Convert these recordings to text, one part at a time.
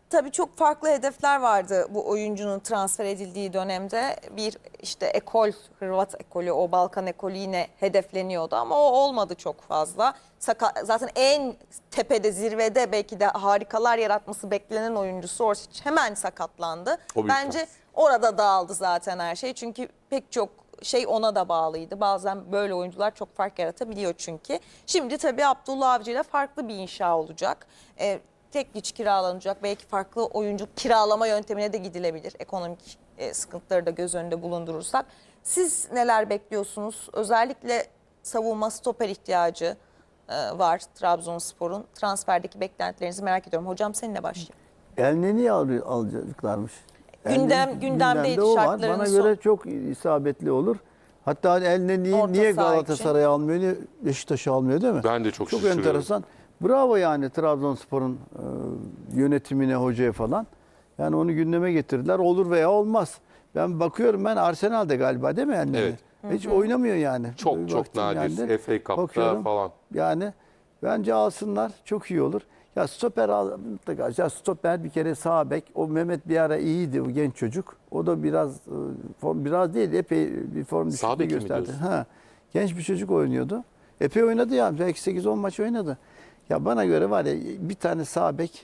tabii çok farklı hedefler vardı bu oyuncunun transfer edildiği dönemde. Bir işte ekol, Hırvat ekolü, o Balkan ekolü yine hedefleniyordu ama o olmadı çok fazla. Zaten en tepede, zirvede belki de harikalar yaratması beklenen oyuncusu Orsic hemen sakatlandı. Bence orada dağıldı zaten her şey. Çünkü pek çok şey ona da bağlıydı. Bazen böyle oyuncular çok fark yaratabiliyor çünkü. Şimdi tabii Abdullah Avcı ile farklı bir inşa olacak. Tek güç kiralanacak. Belki farklı oyuncu kiralama yöntemine de gidilebilir. Ekonomik sıkıntıları da göz önünde bulundurursak. Siz neler bekliyorsunuz? Özellikle savunma stoper ihtiyacı var Trabzonspor'un. Transferdeki beklentilerinizi merak ediyorum. Hocam seninle başlayayım. Elneni alacaklarmış. Gündemdeydi o var. şartların Bana göre çok isabetli olur. Hatta Elneni'yi niye Galatasaray almıyor, niye Beşiktaş'ı almıyor değil mi? Ben de çok şaşırıyorum. Enteresan. Bravo yani Trabzonspor'un yönetimine, hocaya falan. Yani onu gündeme getirdiler. Olur veya olmaz. Ben bakıyorum, Arsenal'de galiba değil mi Elneni? Evet. Hiç oynamıyor yani. Çok nadir. FA Cup'ta falan. Yani bence alsınlar, çok iyi olur. Ya stoper ya stoper bir kere sağ bek. O Mehmet bir ara iyiydi, o genç çocuk. O da biraz değil, epey bir form düşüklüğü gösterdi. Genç bir çocuk oynuyordu. Epey oynadı ya. Belki 8-10 maç oynadı. Ya bana göre var ya, bir tane sağ bek,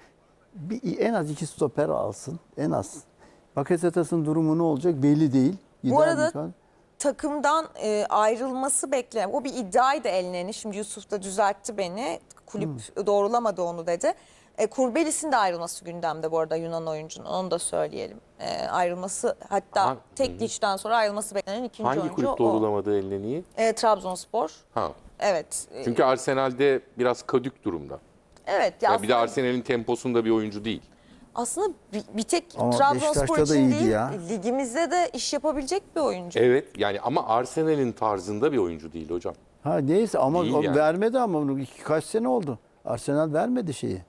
en az 2 stoper alsın. En az. Bakasetas'ın durumu ne olacak belli değil. Bu arada takımdan ayrılması beklenen, o bir iddiaydı Elneni. Şimdi Yusuf da düzeltti beni. Kulüp doğrulamadı onu dedi. Kurbelis'in de ayrılması gündemde bu arada, Yunan oyuncunun. Onu da söyleyelim. Ayrılması, hatta tek geçten sonra ayrılması beklenen ikinci oyuncu o. Hangi kulüp doğrulamadı Elneni'yi? Trabzonspor. Evet. Çünkü Arsenal'de biraz kadük durumda. Evet. Ya bir de Arsenal'in temposunda bir oyuncu değil. Aslında bir tek ama Trabzonspor da için değil, ya. ligimizde de iş yapabilecek bir oyuncu. Evet yani, ama Arsenal'in tarzında bir oyuncu değil hocam. Neyse ama Değil o yani. vermedi, ama kaç sene oldu. Arsenal vermedi şeyi.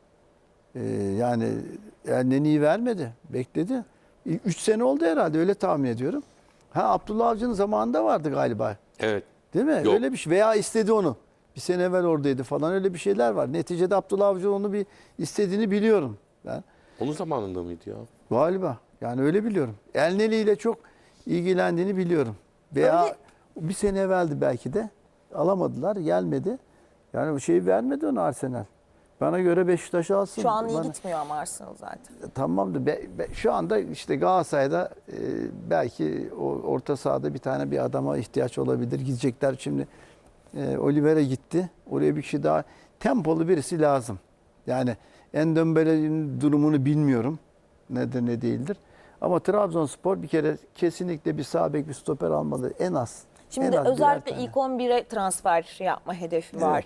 Yani Elneni'yi vermedi. Bekledi. 3 sene oldu herhalde, öyle tahmin ediyorum. Abdullah Avcı'nın zamanında vardı galiba. Evet. Değil mi? Yok. Öyle bir şey. Veya istedi onu. Bir sene evvel oradaydı falan, öyle bir şeyler var. Neticede Abdullah Avcı onu bir istediğini biliyorum ben. Onun zamanında mıydı ya? Galiba. Yani öyle biliyorum. Elneni ile çok ilgilendiğini biliyorum. Veya Öyle. bir sene evveldi belki de. Alamadılar, gelmedi. Yani şeyi vermedi ona Arsenal. Bana göre Beşiktaş alsın. Şu an iyi gitmiyor ama Arsenal zaten. Tamamdır. Şu anda işte Galatasaray'da belki o orta sahada bir adama ihtiyaç olabilir. Gidecekler şimdi. Oliveira gitti. Oraya bir kişi daha, tempolu birisi lazım. Yani Endombele'nin durumunu bilmiyorum. Nedir ne değildir. Ama Trabzonspor bir kere kesinlikle bir sağ bek, bir stoper almalı en az. Şimdi en az özellikle ilk 11'e transfer yapma hedefi var.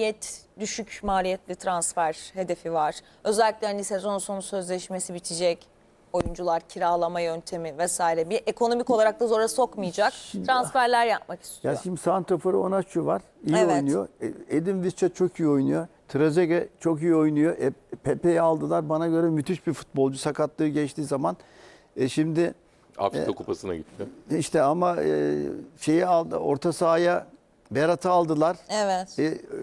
Düşük maliyetli transfer hedefi var. Özellikle hani sezon sonu sözleşmesi bitecek. Oyuncular kiralama yöntemi vesaire. Bir ekonomik olarak da zora sokmayacak transferler yapmak istiyor. Ya şimdi santraforu Onaçu var. İyi Evet. oynuyor. Edin Visca çok iyi oynuyor. Trezeguet çok iyi oynuyor. Pepe'yi aldılar. Bana göre müthiş bir futbolcu. Sakatlığı geçtiği zaman. Şimdi Afrika Kupası'na gitti. işte ama şeyi aldı. Orta sahaya Berat'ı aldılar. Evet.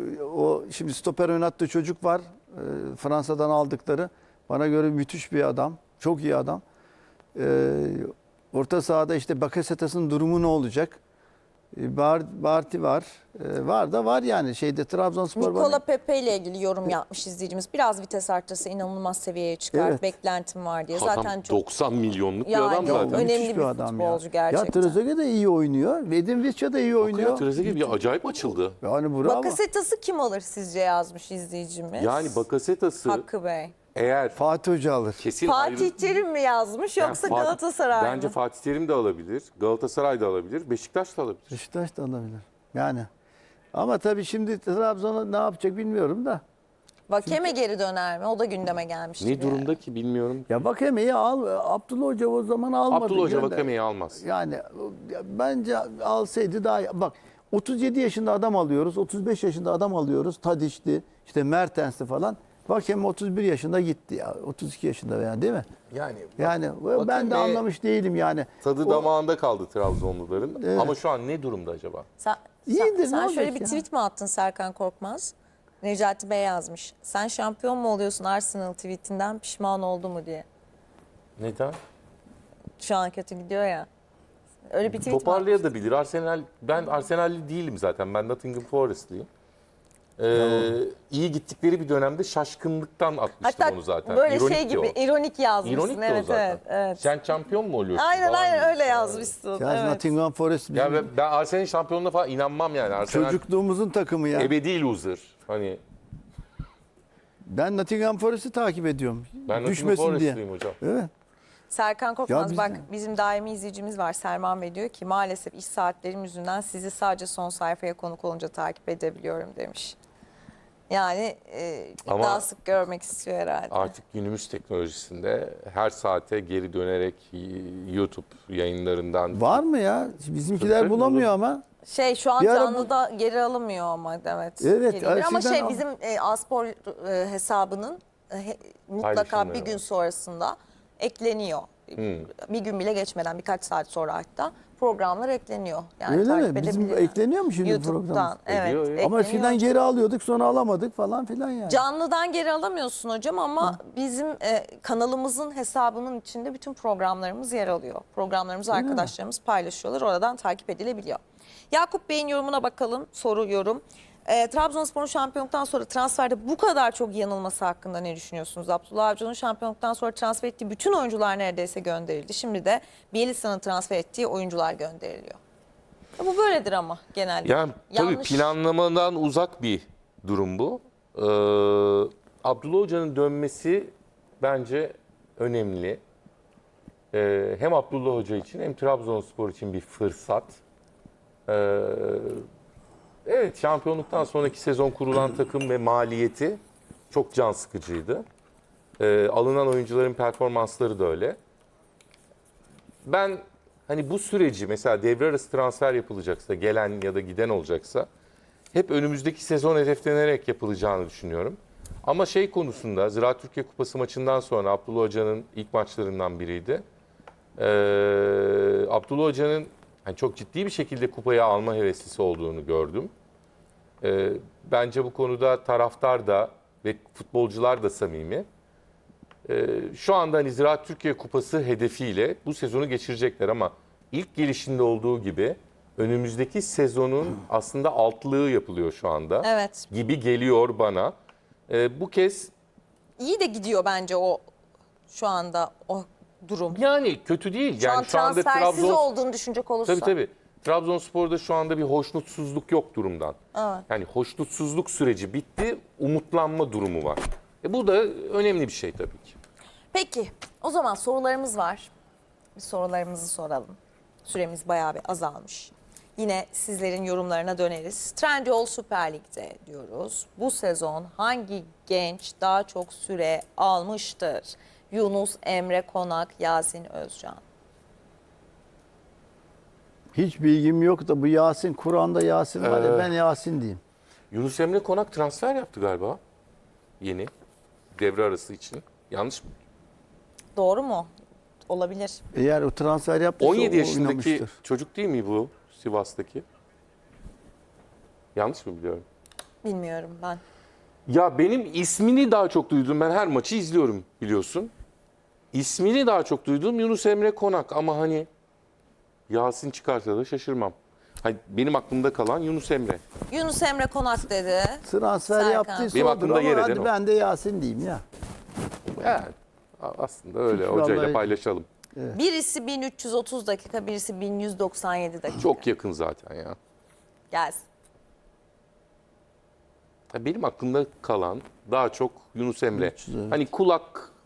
O şimdi stoper oynattığı çocuk var. Fransa'dan aldıkları. Bana göre müthiş bir adam. Çok iyi adam. Orta sahada işte Bakasetas'ın durumu ne olacak? Barti var. Var yani şeyde Trabzonspor var. Nikola Pepe ile ilgili yorum yapmış izleyicimiz. Biraz vites arttırsa inanılmaz seviyeye çıkar. Evet. Beklentim var diye. Adam zaten çok 90 milyonluk bir Yani adam zaten. önemli Müthiş bir adam futbolcu ya. gerçekten. Ya Trezeguet de iyi oynuyor. Edin Visca da iyi oynuyor. Hakikaten Trezeguet bir acayip açıldı. Yani bravo. Bakasetas'ı kim alır sizce, yazmış izleyicimiz. Yani Bakasetas'ı Hakkı Bey. eğer Fatih Hoca alır. kesin Fatih Terim mi yazmış Yani yoksa Fatih- Galatasaray mı? Bence Fatih Terim de alabilir, Galatasaray da alabilir, Beşiktaş da alabilir. Beşiktaş da alabilir. Yani. Ama tabii şimdi Trabzon'a ne yapacak bilmiyorum da. Vakeme geri döner mi? O da gündeme gelmişti. Ne durumda ki bilmiyorum. Ya Vakame'yi al. Abdullah Hoca o zaman almadı. Abdullah Hoca Gönder. Vakame'yi almaz. Yani bence alsaydı daha iyi. Bak 37 yaşında adam alıyoruz. 35 yaşında adam alıyoruz. Tadiç'ti, işte Mertens'ti falan. Vakeme 31 yaşında gitti ya. 32 yaşında veya değil mi? Yani ben de anlamış değilim yani. Tadı damağında kaldı Trabzonluların. Evet. Ama şu an ne durumda acaba? Sen İyidir, ne şöyle olacak bir ya? tweet mi attın Serkan Korkmaz? Necati Bey yazmış. Sen şampiyon mu oluyorsun Arsenal tweetinden pişman oldu mu diye. Neden? Şu an kötü gidiyor ya. Öyle bir tweet var. Toparlayabilir. Ben Arsenal'li değilim zaten. Ben Nottingham Forest'liyim. İyi gittikleri bir dönemde şaşkınlıktan atmıştım Hatta onu zaten. böyle İronikti şey gibi o. ironik yazmışsın. İronik de o Evet, zaten. evet, evet. Sen şampiyon mu oluyorsun? Aynen falan aynen gibi. öyle yazmışsın. Yani Evet. Nottingham Forest bizim Ya ben Arsenal'in şampiyonluğuna falan inanmam yani. Arsenal çocukluğumuzun takımı ya. ebedi loser. Hani Ben Nottingham Forest'i takip ediyorum. ben Nottingham Düşmesin diye. Forest'lıyım hocam. Evet. Serkan Korkmaz Ya biz bak de. bizim daimi izleyicimiz var Selman Bey diyor ki maalesef iş saatlerim yüzünden sizi sadece son sayfaya konuk olunca takip edebiliyorum demiş. Yani Ama daha sık görmek istiyor herhalde. Artık günümüz teknolojisinde her saate geri dönerek YouTube yayınlarından Var mı ya? Bizimkiler Tabii, bulamıyor olur. ama. Şey şu an Bir ara bu- canlıda geri alınmıyor ama evet. Evet, geliyor. Ama eskiden şey bizim Aspor hesabının mutlaka Paylaşımları bir gün var. sonrasında ekleniyor. Bir gün bile geçmeden birkaç saat sonra hatta programlar ekleniyor. Yani Öyle takip mi? Bizim edebiliyor. ekleniyor mu şimdi YouTube'dan. program? Evet. Ediyor, ediyor. Ama ekleniyor. eskiden geri alıyorduk sonra alamadık falan filan yani. Canlıdan geri alamıyorsun hocam ama bizim kanalımızın hesabının içinde bütün programlarımız yer alıyor. Programlarımızı arkadaşlarımız paylaşıyorlar. Oradan takip edilebiliyor. Yakup Bey'in yorumuna bakalım. Soru yorum. Trabzonspor'un şampiyonluktan sonra transferde bu kadar çok yanılması hakkında ne düşünüyorsunuz? Abdullah Avcı'nın şampiyonluktan sonra transfer ettiği bütün oyuncular neredeyse gönderildi. Şimdi de Bielitsa'nın transfer ettiği oyuncular gönderiliyor. Bu böyledir ama genelde. Yani tabii Yanlış. planlamadan uzak bir durum bu. Abdullah Hoca'nın dönmesi bence önemli. Hem Abdullah Hoca için hem Trabzonspor için bir fırsat. Evet, şampiyonluktan sonraki sezon kurulan takım ve maliyeti çok can sıkıcıydı. Alınan oyuncuların performansları da öyle. Ben hani bu süreci mesela devre arası transfer yapılacaksa, gelen ya da giden olacaksa hep önümüzdeki sezon hedeflenerek yapılacağını düşünüyorum. Ama şey konusunda Ziraat Türkiye Kupası maçından sonra Abdullah Hoca'nın ilk maçlarından biriydi. Abdullah Hoca'nın hani çok ciddi bir şekilde kupayı alma heveslisi olduğunu gördüm. Bence bu konuda taraftar da ve futbolcular da samimi. Şu anda hani Ziraat Türkiye Kupası hedefiyle bu sezonu geçirecekler ama ilk gelişinde olduğu gibi önümüzdeki sezonun aslında altlığı yapılıyor şu anda. Evet. Gibi geliyor bana. Bu kez İyi de gidiyor bence o şu anda o durum. yani kötü değil. Şu an Yani şu anda transfersiz olduğunu düşünecek olursa. Tabii. Trabzonspor'da şu anda bir hoşnutsuzluk yok durumdan. Evet. Yani hoşnutsuzluk süreci bitti, umutlanma durumu var. Bu da önemli bir şey tabii ki. Peki o zaman sorularımız var. Bir sorularımızı soralım. Süremiz bayağı bir azalmış. Yine sizlerin yorumlarına döneriz. Trendyol Süper Lig'de diyoruz. Bu sezon hangi genç daha çok süre almıştır? Yunus Emre Konak, Yasin Özcan. Hiç bilgim yok da bu Yasin, Kur'an'da Yasin var ya ben Yasin diyeyim. Yunus Emre Konak transfer yaptı galiba. Yeni. Devre arası için. Yanlış mı? Doğru mu? Olabilir. Eğer o transfer yaptıysa 17 o yaşındaki oynamıştır. çocuk değil mi bu Sivas'taki? Yanlış mı biliyorum? Bilmiyorum ben. Ya benim ismini daha çok duydum. Ben her maçı izliyorum biliyorsun. İsmini daha çok duyduğum Yunus Emre Konak ama hani Yasin çıkarsa da şaşırmam. Hani benim aklımda kalan Yunus Emre. Yunus Emre Konak dedi. Transfer Serkan. yaptıysa Benim odur aklımda ama yer eden hadi o. ben de Yasin diyeyim ya. Yani aslında öyle Hiç hocayla vallahi- paylaşalım. Birisi 1330 dakika, birisi 1197 dakika. Çok yakın zaten ya. Gelsin. Benim aklımda kalan daha çok Yunus Emre. 300, evet. Hani kulak